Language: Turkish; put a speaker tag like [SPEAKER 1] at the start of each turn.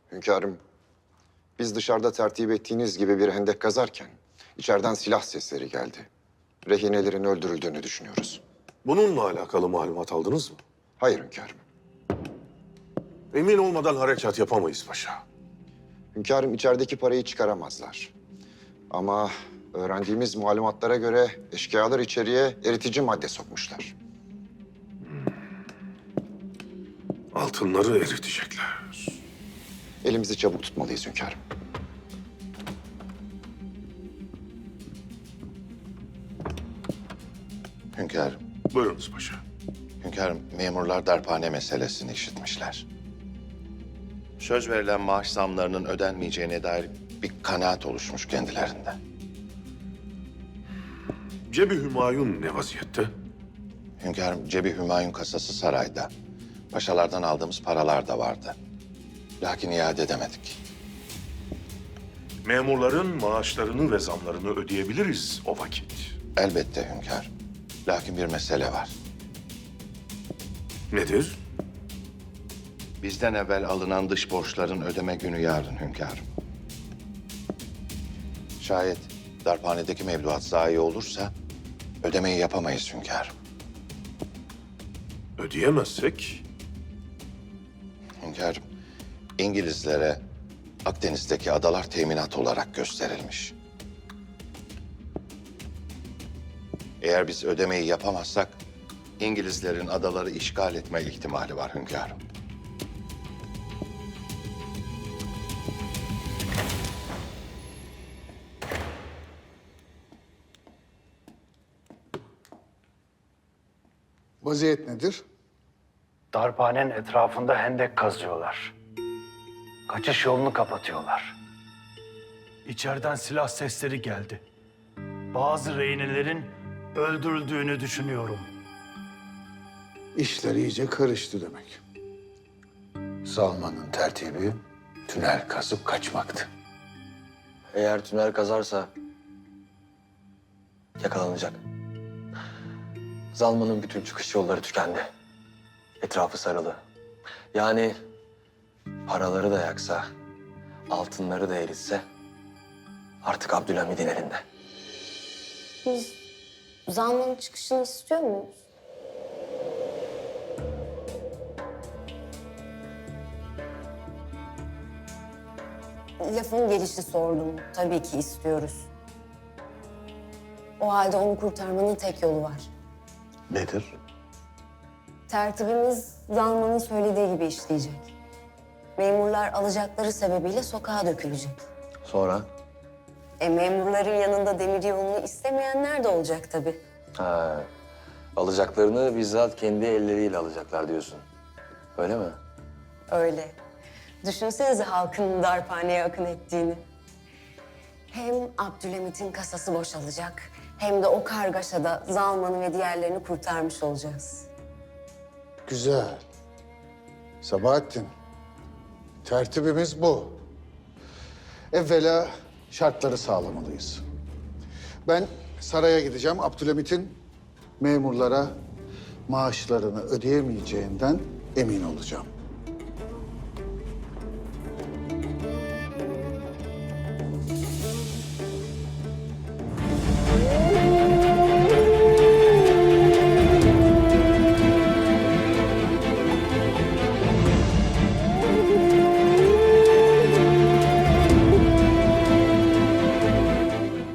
[SPEAKER 1] Hünkârım, biz dışarıda tertip ettiğiniz gibi bir hendek kazarken içeriden silah sesleri geldi. Rehinelerin öldürüldüğünü düşünüyoruz.
[SPEAKER 2] Bununla alakalı malumat aldınız mı?
[SPEAKER 1] Hayır hünkârım.
[SPEAKER 2] Emin olmadan harekat yapamayız paşa.
[SPEAKER 1] Hünkârım içerideki parayı çıkaramazlar. Ama öğrendiğimiz malumatlara göre eşkıyalar içeriye eritici madde sokmuşlar.
[SPEAKER 2] Altınları eritecekler.
[SPEAKER 1] Elimizi çabuk tutmalıyız hünkârım.
[SPEAKER 3] Hünkârım,
[SPEAKER 2] Buyurunuz paşa.
[SPEAKER 3] hünkârım memurlar darphane meselesini işitmişler. Söz verilen maaş zamlarının ödenmeyeceğine dair bir kanaat oluşmuş kendilerinde.
[SPEAKER 2] Cebi Hümayun ne vaziyette?
[SPEAKER 3] Hünkârım, Cebi Hümayun kasası sarayda. Paşalardan aldığımız paralar da vardı. Lakin iade edemedik.
[SPEAKER 2] Memurların maaşlarını ve zamlarını ödeyebiliriz o vakit.
[SPEAKER 3] Elbette hünkârım. Lakin bir mesele var.
[SPEAKER 2] Nedir?
[SPEAKER 3] Bizden evvel alınan dış borçların ödeme günü yarın hünkârım. Şayet darphanedeki mevduat zayi olursa ödemeyi yapamayız hünkârım.
[SPEAKER 2] Ödeyemezsek
[SPEAKER 3] Hünkârım, İngilizlere Akdeniz'deki adalar teminat olarak gösterilmiş. Eğer biz ödemeyi yapamazsak İngilizlerin adaları işgal etme ihtimali var hünkârım.
[SPEAKER 4] Vaziyet nedir?
[SPEAKER 5] Darphanenin etrafında hendek kazıyorlar. Kaçış yolunu kapatıyorlar. İçeriden silah sesleri geldi. Bazı rehinelerin öldürüldüğünü düşünüyorum.
[SPEAKER 4] İşler iyice karıştı demek. Salman'ın tertibi tünel kazıp kaçmaktı.
[SPEAKER 6] Eğer tünel kazarsa yakalanacak. Zalman'ın bütün çıkış yolları tükendi. Etrafı sarılı. Yani paraları da yaksa, altınları da eritse artık Abdülhamid'in elinde.
[SPEAKER 7] Biz Zalman'ın çıkışını istiyor muyuz? Lafın gelişi sordum. Tabii ki istiyoruz. O halde onu kurtarmanın tek yolu var.
[SPEAKER 4] Nedir?
[SPEAKER 7] Tertibimiz Zalman'ın söylediği gibi işleyecek. Memurlar alacakları sebebiyle sokağa dökülecek.
[SPEAKER 6] Sonra?
[SPEAKER 7] Memurların yanında demir yolunu istemeyenler de olacak tabii.
[SPEAKER 6] Ha, alacaklarını bizzat kendi elleriyle alacaklar diyorsun. Öyle mi?
[SPEAKER 7] Öyle. Düşünsenize halkın darphaneye akın ettiğini. Hem Abdülhamit'in kasası boşalacak, hem de o kargaşada Zalman'ı ve diğerlerini kurtarmış olacağız.
[SPEAKER 4] Güzel. Sabahattin, tertibimiz bu. Evvela şartları sağlamalıyız. Ben saraya gideceğim. Abdülhamit'in memurlara maaşlarını ödeyemeyeceğinden emin olacağım.